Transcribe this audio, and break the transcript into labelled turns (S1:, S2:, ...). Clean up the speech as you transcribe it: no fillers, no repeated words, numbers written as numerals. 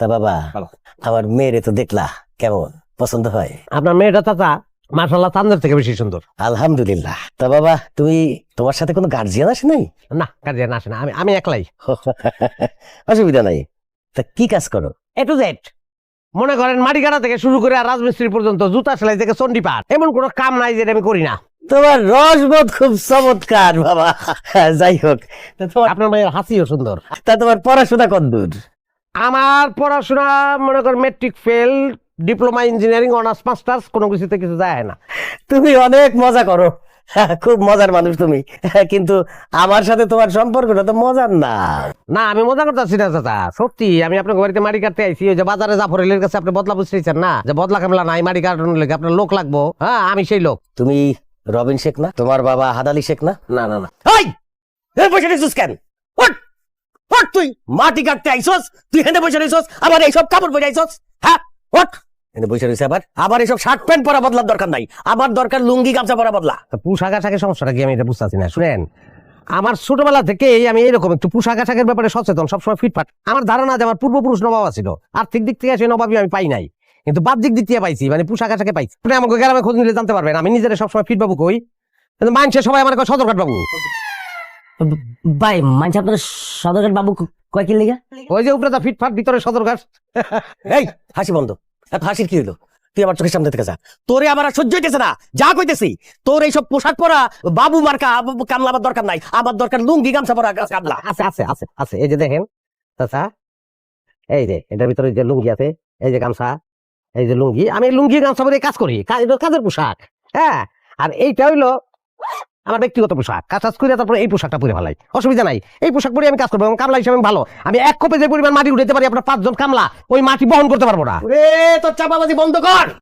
S1: তা বাবা
S2: ভালো।
S1: আমার মেয়েরে তো দেখলা কেমন পছন্দ হয়?
S2: আপনার মেয়েটা চাচা মাশাআল্লাহ চাঁদের থেকে বেশি সুন্দর।
S1: আলহামদুলিল্লাহ। তা বাবা তুমি তোমার সাথে কোনো গার্জিয়ান আসে নাই?
S2: না গার্জিয়ান আসে না, আমি একলাই।
S1: অসুবিধা নাই। তা কি কাজ করো?
S2: এ টু জেড মনে করেন মাটি কাটা থেকে শুরু করে আর রাজমিস্ত্রি পর্যন্ত, জুতা সেলাই থেকে চণ্ডীপাঠ, এমন কোনো কাম নাই যেটা আমি করি না।
S1: তোমার রসবোধ খুব চমৎকার বাবা। যাই হোক, তা
S2: আপনার মেয়ের হাসিও সুন্দর।
S1: তোমার পড়াশোনা কতদূর?
S2: আমার পড়াশোনা মনে করেন matric fail, diploma engineering, honours masters, কোনো কিছুতে কিছু যায় না।
S1: তুমি অনেক মজা করো, খুব মজার মানুষ তুমি, কিন্তু আমার সাথে তোমার সম্পর্কটা তো মজার না।
S2: না আমি মজা করতেছি না চাচা, সত্যি। আমি আপনার বাড়িতে মাটি কাটতে আইছি, ওই যে বাজারে জাফরেলের কাছে আপনি বদলা বুঝতেছেন না, যে বদলা কামলা নাই, মাটি কাটানোর লেগে আপনার লোক লাগবো। হ্যাঁ আমি সেই লোক।
S1: তুমি রবিন শেখ না? তোমার বাবা হাদালি শেখ না?
S2: না না না,
S1: বসে রইছিস কেন? ওঠ, ওঠ, তুই মাটি কাটতে আইছস, তুই হেঁটে বসে রইছস, আবার এইসব কাপড় পরে আইছস। হ্যাঁ ওঠ, হেঁটে বসে রইছে। আবার এইসব শার্ট প্যান্ট পরা বদলার দরকার নাই, আমার দরকার লুঙ্গি গামছা পরা বদলা।
S2: পোশাক আশাকের সমস্যাটা কি আমি এটা বুঝতেছি না। শুনেন, আমার ছোটবেলা থেকে আমি এরকম একটু পোশাক আশাকের ব্যাপারে সচেতন, সবসময় ফিটফাট। আমার ধারণা যে আমার পূর্বপুরুষ নবাব ছিল, আর্থিক দিক থেকে সেই নবাবই আমি পাই নাই, কিন্তু বাহ্যিক দিক থেকে পাইছি, মানে পোশাক আশাকে পাইছি। আপনি আমাকে গ্রামে খোঁজ নিলে জানতে পারবেন আমি নিজের সবসময় ফিট বাবু কই, কিন্তু মানুষের সবাই আমার সদরঘাট বাবু।
S3: ভাই মানছি আপনার সদরঘাট বাবু কয় কি লিগা?
S2: ওই যে উপরে ফিটফাট, ভিতরে সদরঘাট।
S1: এই হাসি বন্ধ, এত হাসির কি হইলো? তুই আমার চোখের সামনে থেকে যা, তোরে আমার আর সহ্য হইতেছে না। যা কইতেছি, তোর এইসব পোশাক পরা বাবু মার্কা কামলা আমার দরকার নাই, আমার দরকার লুঙ্গি গামছা পরা কামলা।
S2: আছে আছে আছে আছে, এই যে দেখেন চাচা, এই যে এটার ভিতরে যে লুঙ্গি আছে, এই যে গামছা, এই যে লুঙ্গি, আমি লুঙ্গি গামছা পরে কাজ করি, এটা কাজের পোশাক। হ্যাঁ, আর এইটা হইলো আমার ব্যক্তিগত পোশাক। কাজ করে তারপরে এই পোশাকটা পরে ভালাই, অসুবিধা নাই। এই পোশাক পরে আমি কাজ করবো, কামলা হিসাবে আমি ভালো। আমি এক কোপে যে পরিমাণ মাটি উঠাতে পারি, আপনার 5 জন কামলা ওই মাটি বহন করতে পারবো না।
S1: তোর চাপাবাজি বন্ধ কর।